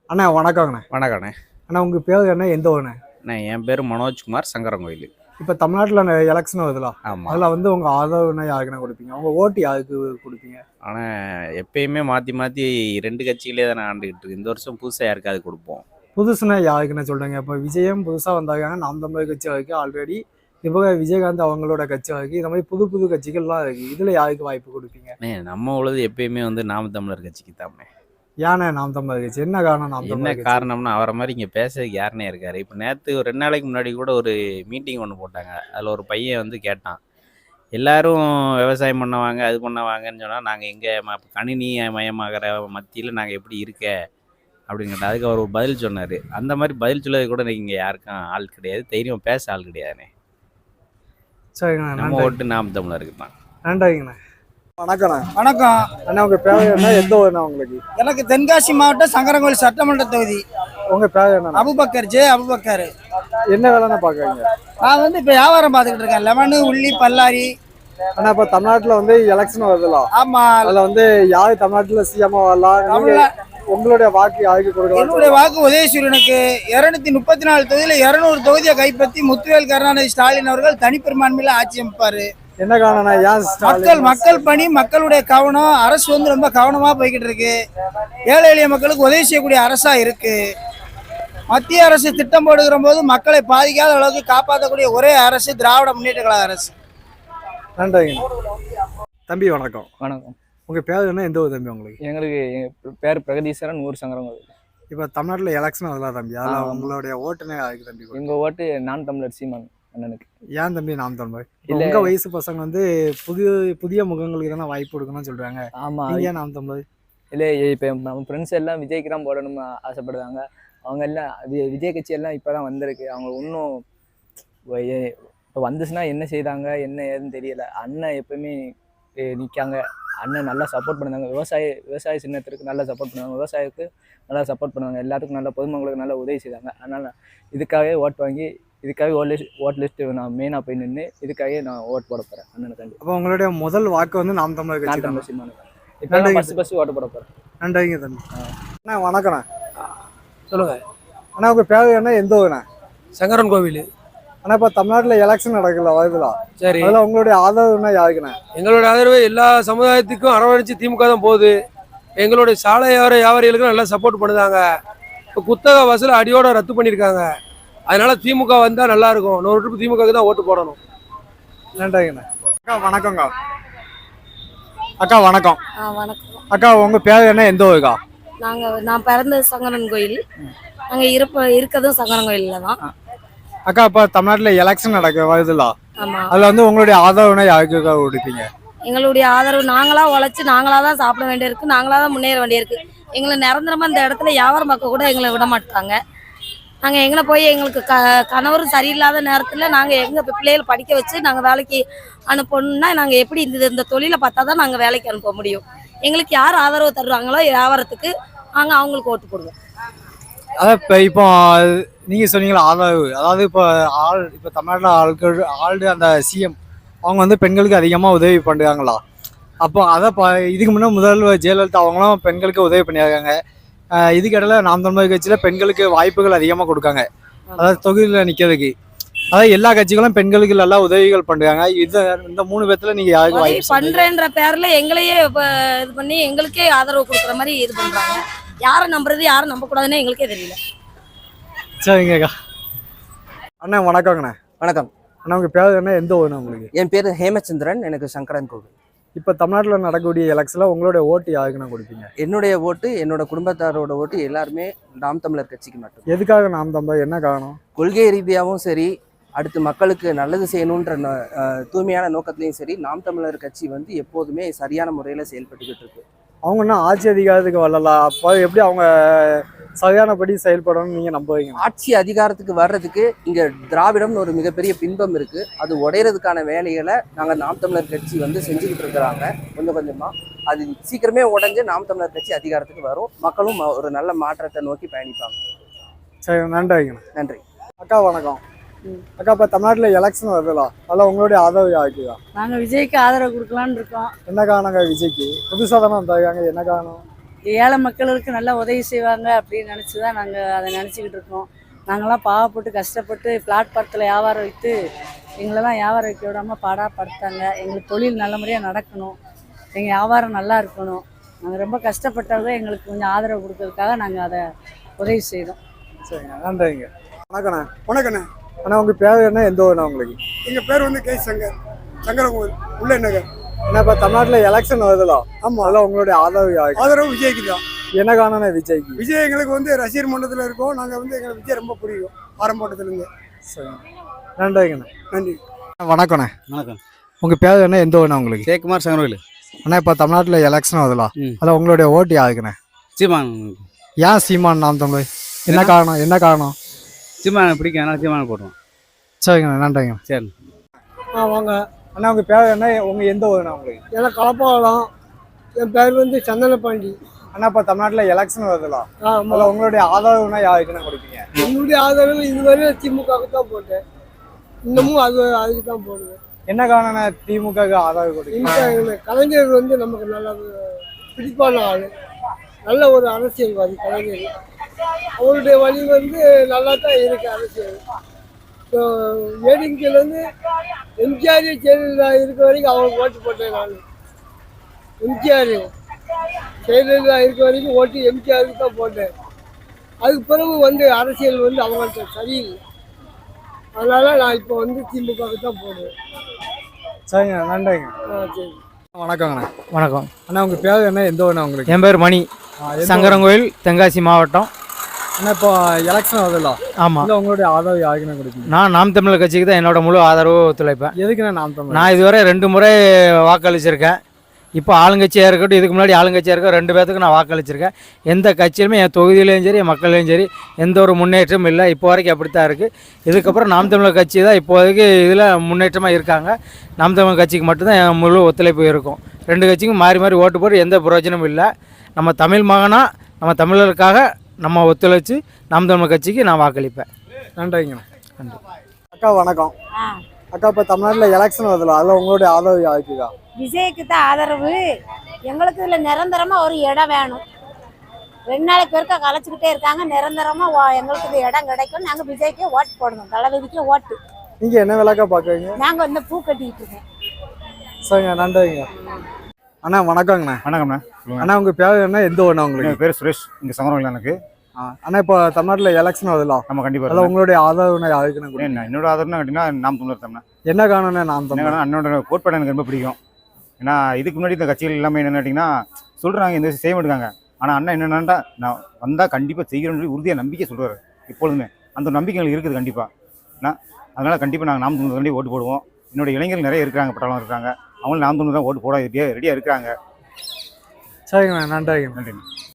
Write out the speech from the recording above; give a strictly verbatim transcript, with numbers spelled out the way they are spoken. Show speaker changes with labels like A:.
A: அண்ணா வணக்கங்கண்ணே.
B: வணக்கண்ணே.
A: அண்ணா உங்கள் பேர் என்ன, எந்த ஊருண்ணே?
B: அண்ணே என் பேர் மனோஜ்குமார், சங்கரங்கோயில்.
A: இப்போ தமிழ்நாட்டில் எலெக்ஷன் வருதுல,
B: ஆமாம்.
A: அதில் வந்து உங்கள் ஆதரவுனா யாருக்குண்ணே கொடுப்பீங்க? உங்கள் ஓட்டு யாருக்கு கொடுப்பீங்க?
B: ஆனால் எப்பயுமே மாற்றி மாற்றி ரெண்டு கட்சிகளே தானே ஆண்டுகிட்டு இருக்கு. இந்த வருஷம் புதுசாக யாருக்காவது கொடுப்போம்.
A: புதுசுனா யாருக்குன்னு சொல்கிறீங்க? இப்போ விஜயம் புதுசாக வந்தாங்க, நாம் தமிழர் கட்சி இருக்குது ஆல்ரெடி. இப்போ விஜயகாந்த் அவங்களோட கட்சி இருக்குது. இந்த மாதிரி புது புது கட்சிகள்லாம் இருக்குது. இதில் யாருக்கு வாய்ப்பு கொடுப்பீங்க?
B: அண்ணே நம்ம உள்ளது எப்பயுமே வந்து நாம் தமிழர் கட்சிக்கு தானே.
A: ஏன்னா நாம் தமிழர் கட்சி என்ன காரணம்? நாம்
B: என்ன
A: தமிழர்
B: காரணம்னா அவரை மாதிரி இங்கே பேசுறதுக்கு யாருனே இருக்காரு. இப்போ நேற்று ஒரு ரெண்டு நாளைக்கு முன்னாடி கூட ஒரு மீட்டிங் ஒன்று போட்டாங்க. அதில் ஒரு பையன் வந்து கேட்டான், எல்லாரும் விவசாயம் பண்ணுவாங்க அது பண்ணுவாங்கன்னு சொன்னால் நாங்கள் எங்கே கணினி மயமாகிற மத்தியில் நாங்கள் எப்படி இருக்க அப்படின்னு கேட்டால் அதுக்கு அவர் ஒரு பதில் சொன்னார். அந்த மாதிரி பதில் சொல்லது கூட இங்கே யாருக்கும் ஆள் கிடையாது, தைரியம் பேச ஆள் கிடையாதுண்ணே.
A: சரிங்கண்ணா,
B: நம்ம ஓட்டு நாம் தமிழருக்கு தான்.
A: நன்றிங்கண்ணா. வணக்கண்ணா.
C: வணக்கம்
A: அண்ணா உங்கள் பேர் என்ன, எந்த ஊருண்ணா உங்களுக்கு?
C: எனக்கு தென்காசி மாவட்டம் சங்கரங்கோயில் சட்டமன்ற தொகுதி.
A: உங்கள் பேர் என்ன?
C: அபுபக்கர் ஜே அபுபக்கர்.
A: என்ன வேலைன்னா பார்க்குறீங்க?
C: நான் வந்து இப்போ வியாபாரம் பார்த்துக்கிட்டு இருக்கேன், லெமனு உள்ளி பல்லாரி.
A: ஆனா இப்ப தமிழ்நாட்டுல வந்து எலெக்ஷன் வருதுல,
C: ஆமா.
A: அதுல வந்து யாரு தமிழ்நாட்டுல சிஎம் வரலாம், உங்களுடைய வாக்கு யாருக்கு கொடுக்கலாம்?
C: என்னுடைய வாக்கு உதயசூரியனுக்கு. இருநூத்தி முப்பத்தி நாலு தொகுதியில இருநூறு தொகுதியை கைப்பற்றி முத்துவேல் கருணாநிதி ஸ்டாலின் அவர்கள் தனிப்பெரும்பான்மையில ஆட்சி அமைப்பாரு.
A: என்ன காரணம்னா ஏன்
C: மக்கள் மக்கள் பணி, மக்களுடைய கவனம், அரசு வந்து ரொம்ப கவனமா போய்கிட்டு இருக்கு. ஏழை எளிய மக்களுக்கு உதவி செய்யக்கூடிய அரசா இருக்கு. மத்திய அரசு திட்டம் போடுகிற போது மக்களை பாதிக்காத அளவுக்கு காப்பாற்றக்கூடிய ஒரே அரசு திராவிட முன்னேற்ற கழக அரசு.
A: நன்றிங்க தம்பி. வணக்கம்.
D: வணக்கம்.
A: உங்க பேர் என்ன, எந்த ஊர் தம்பி உங்களுக்கு?
D: எங்களுக்கு பேர் பிரகதீஸ்வரன், ஊர் சங்கரங்கோயில்.
A: இப்போ தமிழ்நாட்டுல எலெக்ஷன் வரலாம் தம்பி, அதில் உங்களுடைய ஓட்டுனே யாருக்கு தம்பி?
D: எங்க ஓட்டு நான் தமிழர் சீமான் அண்ணனுக்கு.
A: ஏன் தம்பி நாம் தமிழர்? உங்க வயசு பசங்க வந்து புதிய புதிய முகங்களுக்கு தானே வாய்ப்பு கொடுக்கணும்னு சொல்றாங்க.
D: ஆமா,
A: நீங்க ஏன் நாம் தமிழர்?
D: இல்லை, இப்போ நம்ம ஃப்ரெண்ட்ஸ் எல்லாம் விஜய்க்கு தான் போடணும்னு ஆசைப்படுறாங்க. அவங்க எல்லாம் விஜய் கட்சி எல்லாம் இப்போதான் வந்திருக்கு. அவங்க இன்னும் இப்போ வந்துச்சுன்னா என்ன செய்தாங்க என்ன ஏதுன்னு தெரியல. அண்ணன் எப்பவுமே நிற்காங்க. அண்ணன் நல்லா சப்போர்ட் பண்ணுறாங்க. விவசாய விவசாய சின்னத்திற்கு நல்லா சப்போர்ட் பண்ணுவாங்க. விவசாயத்துக்கு நல்லா சப்போர்ட் பண்ணுவாங்க. எல்லாத்துக்கும் நல்லா பொதுமக்களுக்கு நல்லா உதவி செய்தாங்க. அதனால் இதுக்காகவே ஓட் வாங்கி இதுக்காக ஓட் லிஸ்ட் ஓட் லிஸ்ட்டு நான் மெயினாக போய் நின்று இதுக்காகவே நான் ஓட் போட போகிறேன் அண்ணனுக்காண்டி.
A: அப்போ உங்களுடைய முதல் வாக்கு வந்து நாம் தமிழர் கட்சி?
D: நான் தமிழர் சீமானுக்கு இப்போ ஃபஸ்ட்டு ஃபஸ்ட்டு ஓட்டு போட போகிறேன்.
A: நன்றிங்க தம்பி. அண்ணா வணக்கண்ணா.
C: சொல்லுங்க
A: அண்ணா உங்க பேர் என்ன, எந்த ஊருண்ணா?
C: சங்கரன் கோவில்.
A: ஆனா இப்ப தமிழ்நாட்டுல எலெக்ஷன் நடக்கல வருதுல,
C: சரி,
A: அதுல உங்களுடைய ஆதரவுனா யாருக்குண்ணா?
E: எங்களோட ஆதரவு எல்லா சமுதாயத்துக்கும் அரவணைச்சு திமுக தான் போகுது. எங்களுடைய சாலை வியாபார வியாபாரிகளுக்கும் நல்லா சப்போர்ட் பண்ணுதாங்க. இப்போ குத்தக வசூல் அடியோட ரத்து பண்ணியிருக்காங்க. அதனால திமுக வந்தா நல்லா இருக்கும். நூறு ட்ரிப் திமுக தான் ஓட்டு போடணும்.
A: நன்றிங்கண்ணா. அக்கா வணக்கங்க. அக்கா வணக்கம்.
F: வணக்கம்
A: அக்கா உங்க பேர் என்ன, எந்த ஊருக்கா?
F: நாங்க நான் பிறந்தது சங்கரன் கோயில், நாங்க இருப்ப இருக்கிறதும் சங்கரன் கோயில்ல தான்.
A: அக்கா இப்ப தமிழ்நாட்டுல எலெக்ஷன் நடக்க வருதுல,
F: ஆமா,
A: அதுல வந்து உங்களுடைய ஆதரவுனா யாருக்குக்கா கொடுப்பீங்க?
F: எங்களுடைய ஆதரவு நாங்களா உழைச்சு நாங்களா தான் சாப்பிட வேண்டியிருக்கு, நாங்களா தான் முன்னேற வேண்டியிருக்கு. எங்களை நிரந்தரமா இந்த இடத்துல வியாபாரம் பார்க்க கூட எங்களை விட மாட்டாங்க. நாங்கள் எங்களை போய் எங்களுக்கு க கணவரும் சரியில்லாத நேரத்தில் நாங்கள் எங்கள் பிள்ளைகள் படிக்க வச்சு நாங்கள் வேலைக்கு அனுப்பணும்னா நாங்கள் எப்படி இந்த இந்த தொழிலை பார்த்தா தான் நாங்கள் வேலைக்கு அனுப்ப முடியும். எங்களுக்கு யார் ஆதரவு தருவாங்களோ வியாபாரத்துக்கு நாங்கள் அவங்களுக்கு ஓட்டு போடுவோம்.
A: அதான் இப்போ இப்போ நீங்கள் சொன்னீங்களா ஆதரவு, அதாவது இப்போ ஆள் இப்போ தமிழ்நாட்டில் ஆட்கள் ஆள்டு அந்த சிஎம் அவங்க வந்து பெண்களுக்கு அதிகமாக உதவி பண்ணுறாங்களா? அப்போ அதை ப இதுக்கு முன்னே முதல்வர் ஜெயலலிதா அவங்களும் பெண்களுக்கு உதவி பண்ணியிருக்காங்க. இதுக்கிடையில நாம் தமிழர் கட்சியில் பெண்களுக்கு வாய்ப்புகள் அதிகமாக கொடுக்காங்க, அதாவது தொகுதியில் நிற்கிறதுக்கு. அதாவது எல்லா கட்சிகளும் பெண்களுக்கு நல்லா உதவிகள் பண்ணுறாங்க. இது இந்த மூணு பேர்த்துல நீங்கள் யாருக்கு வாய்ப்பு
F: பண்ணுறேன்ற பேரில் எங்களையே இப்போ இது பண்ணி எங்களுக்கே ஆதரவு கொடுக்குற மாதிரி இது பண்ணுறாங்க. யாரை நம்புறது யாரை நம்பக்கூடாதுன்னு எங்களுக்கே தெரியல.
A: சரிங்கக்கா. அண்ணா வணக்கங்கண்ணா.
G: வணக்கம்
A: அண்ணா உங்கள் பேர் என்ன, எந்த ஊருண்ணா உங்களுக்கு?
G: என் பேர் ஹேமச்சந்திரன், எனக்கு சங்கரன் கோவில்.
A: இப்போ தமிழ்நாட்டில் நடக்கக்கூடிய எலெக்ஷனில் உங்களுடைய ஓட்டு யாருக்குண்ணா கொடுப்பீங்க?
G: என்னுடைய ஓட்டு, என்னோட குடும்பத்தாரோட ஓட்டு எல்லாருமே நாம் தமிழர் கட்சிக்கு மட்டும்.
A: எதுக்காக நாம் தமிழர், என்ன காரணம்?
G: கொள்கை ரீதியாகவும் சரி, அடுத்து மக்களுக்கு நல்லது செய்யணுன்ற தூய்மையான நோக்கத்திலையும் சரி, நாம் தமிழர் கட்சி வந்து எப்போதுமே சரியான முறையில் செயல்பட்டுக்கிட்டு இருக்கு.
A: அவங்க இன்னும் ஆட்சி அதிகாரத்துக்கு வரலாம், அப்போ எப்படி அவங்க சரியானபடி செயல்படணும்னு நீங்கள் நம்புவீங்க?
G: ஆட்சி அதிகாரத்துக்கு வர்றதுக்கு இங்கே திராவிடம்னு ஒரு மிகப்பெரிய பின்பம் இருக்குது. அது உடையிறதுக்கான வேலைகளை நாங்கள் நாம் தமிழர் கட்சி வந்து செஞ்சுக்கிட்டு இருக்கிறாங்க கொஞ்சம் கொஞ்சமாக. அது சீக்கிரமே உடஞ்சி நாம் தமிழர் கட்சி அதிகாரத்துக்கு வரும், மக்களும் ஒரு நல்ல மாற்றத்தை நோக்கி பயணிப்பாங்க.
A: சரி, நன்றி.
G: நன்றி.
A: அக்கா வணக்கம். அக்கா இப்போ தமிழ்நாட்டில் எலெக்ஷன் வருதுல, அதில் உங்களுடைய ஆதரவு யாருக்குதா?
H: நாங்கள் விஜய்க்கு ஆதரவு கொடுக்கலான்னு இருக்கோம்.
A: என்ன காரணங்க? விஜய்க்கு புதுசாக தானே வந்தாங்க, என்ன காரணம்?
H: ஏழை மக்களுக்கு நல்லா உதவி செய்வாங்க அப்படின்னு நினச்சி தான் நாங்கள் அதை நினச்சிக்கிட்டு இருக்கோம். நாங்களாம் பாவப்பட்டு கஷ்டப்பட்டு பிளாட்பாரத்தில் வியாபாரம் வைத்து எங்களெல்லாம் வியாபாரம் வைக்க விடாமல் பாடாப்படுத்தாங்க. எங்களுக்கு தொழில் நல்ல முறையாக நடக்கணும், எங்கள் வியாபாரம் நல்லா இருக்கணும். நாங்கள் ரொம்ப கஷ்டப்பட்டவங்க, எங்களுக்கு கொஞ்சம் ஆதரவு கொடுக்கறதுக்காக நாங்கள் அதை உதவி செய்தோம்.
A: சரிங்க, நன்றிங்க. வணக்கண்ணே.
I: வணக்கண்ணே.
A: அண்ணா உங்கள் பேர் என்ன, எந்த ஊர்ண்ணா உங்களுக்கு?
I: எங்கள் பேர் வந்து கே சங்கர், சங்கரகோவில் உள்ள நகர்.
A: ஏன்னா இப்போ தமிழ்நாட்டில் எலெக்ஷன் வருதுலாம்.
I: ஆமாம்,
A: அதெல்லாம் உங்களுடைய ஆதரவு யாருக்கு?
I: ஆதரவு விஜய்க்கு தான்.
A: என்ன காரணம் விஜய்க்கு?
I: விஜய் எங்களுக்கு வந்து ரசிகர் மன்றத்தில் இருக்கோம். நாங்கள் வந்து எங்களுக்கு விஜய் ரொம்ப பிடிக்கும் ஆரம்பட்டத்துலேருந்து.
A: சரிங்க, நன்றிங்கண்ணா.
I: நன்றி.
A: வணக்கண்ணே.
J: வணக்கம்.
A: உங்கள் பேர் என்ன, எந்த ஊர்ண்ணா உங்களுக்கு?
J: ஜெயக்குமார் சங்கரவேலு.
A: அண்ணா இப்போ தமிழ்நாட்டில் எலெக்ஷன் வருதுலாம்.
J: ம்.
A: அதில் உங்களுடைய ஓட்டு யாருக்குண்ணே?
J: சீமான்.
A: ஏன் சீமான் நாம் தமிழ்? என்ன காரணம், என்ன காரணம்?
J: சீமானை பிடிக்கும், அதனால சீமானை போடுவோம்.
A: சரிங்கண்ணா, நன்றிங்க.
J: சரி.
I: ஆ வாங்க.
A: அண்ணா உங்கள் பேர் என்ன, உங்கள் எந்த ஊர்ண்ணா உங்களுக்கு?
I: எனக்கு கலப்பாவலாம். என் பேர் வந்து சந்தனப்பாண்டி.
A: அண்ணா இப்போ தமிழ்நாட்டில் எலெக்ஷன் வருதுலாம்.
I: ஆமாம்.
A: அதில் உங்களுடைய ஆதரவுனா யாருக்குண்ணா கொடுப்பீங்க?
I: என்னுடைய ஆதரவு இதுவரை திமுகவுக்கு தான் போட்டேன். இன்னமும் அது அதுக்கு தான் போடுவேன்.
A: என்ன காரணம் திமுகவுக்கு ஆதரவு கொடுப்பீங்க?
I: இந்த கலைஞர் வந்து நமக்கு நல்ல பிடிப்பான ஆள், நல்ல ஒரு அரசியல்வாதி கலைஞர். அவருடைய வழி வந்து நல்லா தான் இருக்கு அரசியல். ஸோ ஏடிஎம்கேலேருந்து எம்ஜிஆர் ஜெயலலிதா இருக்க வரைக்கும் அவருக்கு ஓட்டு போட்டேன் நான். எம்ஜிஆர் ஜெயலலிதா இருக்க வரைக்கும் ஓட்டு எம்ஜிஆருக்கு தான் போட்டேன். அதுக்கு பிறகு வந்து அரசியல் வந்து அவங்கள்ட்ட சரியில்லை. அதனால நான் இப்போ வந்து திமுகவுக்கு தான் போடுவேன்.
A: சரிங்க, நன்றிங்க.
I: ஆ சரி.
A: வணக்கங்கண்ணா.
D: வணக்கம்.
A: அண்ணா உங்கள் பேர் என்ன, எந்த ஊர்ண்ணா உங்களுக்கு?
D: என் பேர் மணி, சங்கரங்கோயில், தென்காசி மாவட்டம்.
A: அண்ணா இப்போ எலெக்ஷன் வருதுலாம்.
D: ஆமாம்.
A: இல்லை உங்களுடைய ஆதரவு யாருக்குண்ணா கொடுப்பீங்க?
D: நான் நாம் தமிழர் கட்சிக்கு தான் என்னோட முழு ஆதரவு ஒத்துழைப்பேன்.
A: எதுக்குண்ணா நாம் தமிழ்?
D: நான் இதுவரை ரெண்டு முறை வாக்களிச்சிருக்கேன். இப்போ ஆளுங்கட்சியாக இருக்கட்டும், இதுக்கு முன்னாடி ஆளுங்கட்சியாக இருக்க ரெண்டு பேர்த்துக்கு நான் வாக்களிச்சிருக்கேன். எந்த கட்சியிலுமே என் தொகுதியிலையும் சரி என் மக்களையும் சரி எந்த ஒரு முன்னேற்றமும் இல்லை. இப்போ வரைக்கும் அப்படி தான் இருக்குது. இதுக்கப்புறம் நாம் தமிழர் கட்சி தான் இப்போதைக்கு இதில் முன்னேற்றமாக இருக்காங்க. நாம் தமிழர் கட்சிக்கு மட்டும்தான் என் முழு ஒத்துழைப்பு இருக்கும். ரெண்டு கட்சிக்கும் மாறி மாறி ஓட்டு போட்டு எந்த பிரயோஜனமும் இல்லை. நம்ம தமிழ் மகனா, நம்ம தமிழருக்காக நம்ம ஒத்துழைச்சி நாம் தமிழர் கட்சிக்கு நான் வாக்களிப்பேன்.
A: நன்றிங்க.
D: நன்றி.
A: அக்கா வணக்கம். அக்கா இப்போ தமிழ்நாட்டில் எலெக்ஷன் வருதுல, அதில் உங்களுடைய ஆதரவு யாருக்குக்கா?
F: விஜய்க்கு தான் ஆதரவு. எங்களுக்கு இதில் நிரந்தரமாக ஒரு இடம் வேணும். ரெண்டு நாளைக்கு பேருக்கா கலைச்சிக்கிட்டே இருக்காங்க. நிரந்தரமாக எங்களுக்கு இது இடம் கிடைக்கும். நாங்கள் விஜய்க்கே ஓட்டு போடணும், தளபதிக்கே ஓட்டு.
A: நீங்கள் என்ன விளக்கா பார்க்குறீங்க?
F: நாங்கள் வந்து பூ கட்டிக்கிட்டு இருக்கோம்.
A: சரிங்க, நன்றிங்க. அண்ணா வணக்கங்கண்ணா.
J: வணக்கம்ண்ணா.
A: அண்ணா உங்கள் பேர் என்ன, எந்த ஊர்ண்ணா உங்களுக்கு?
J: என் பேர் சுரேஷ், இங்கே சங்கரவேலு எனக்கு.
A: ஆ அண்ணா இப்போ தமிழ்நாட்டில் எலெக்ஷன் வருதுலாம்.
J: நம்ம கண்டிப்பாக
A: அதில் உங்களுடைய ஆதரவுனா யாருக்குண்ணா கொடுப்பீங்க?
J: என்ன என்னோட ஆதரவுனா கேட்டிங்கன்னா நாம் தமிழர் தான்.
A: என்ன காரணம்னா நாம் தமிழ்?
J: என்ன அண்ணனோட கோட்பாடு எனக்கு ரொம்ப பிடிக்கும். ஏன்னா இதுக்கு முன்னாடி இந்த கட்சிகள் எல்லாமே என்னென்னு கேட்டிங்கன்னா சொல்கிறாங்க, இந்த செய்ய மாட்டாங்க. ஆனால் அண்ணன் என்னென்னா நான் வந்தால் கண்டிப்பாக செய்கிறோன்னு சொல்லி உறுதியாக நம்பிக்கை சொல்கிறாரு எப்பொழுதுமே. அந்த நம்பிக்கை எங்களுக்கு இருக்குது கண்டிப்பாக. ஏன்னா அதனால் கண்டிப்பாக நாங்கள் நாம் தமிழர் ஓட்டு போடுவோம். என்னோட இளைஞர்கள் நிறைய இருக்கிறாங்க, பட்டாளம் இருக்காங்க. அவங்களும் நாம் தமிழர் தான் ஓட்டு போட ரெடியாக ரெடியாக இருக்கிறாங்க.
A: சரிங்கண்ணா, நன்றிங்க.
J: நன்றி.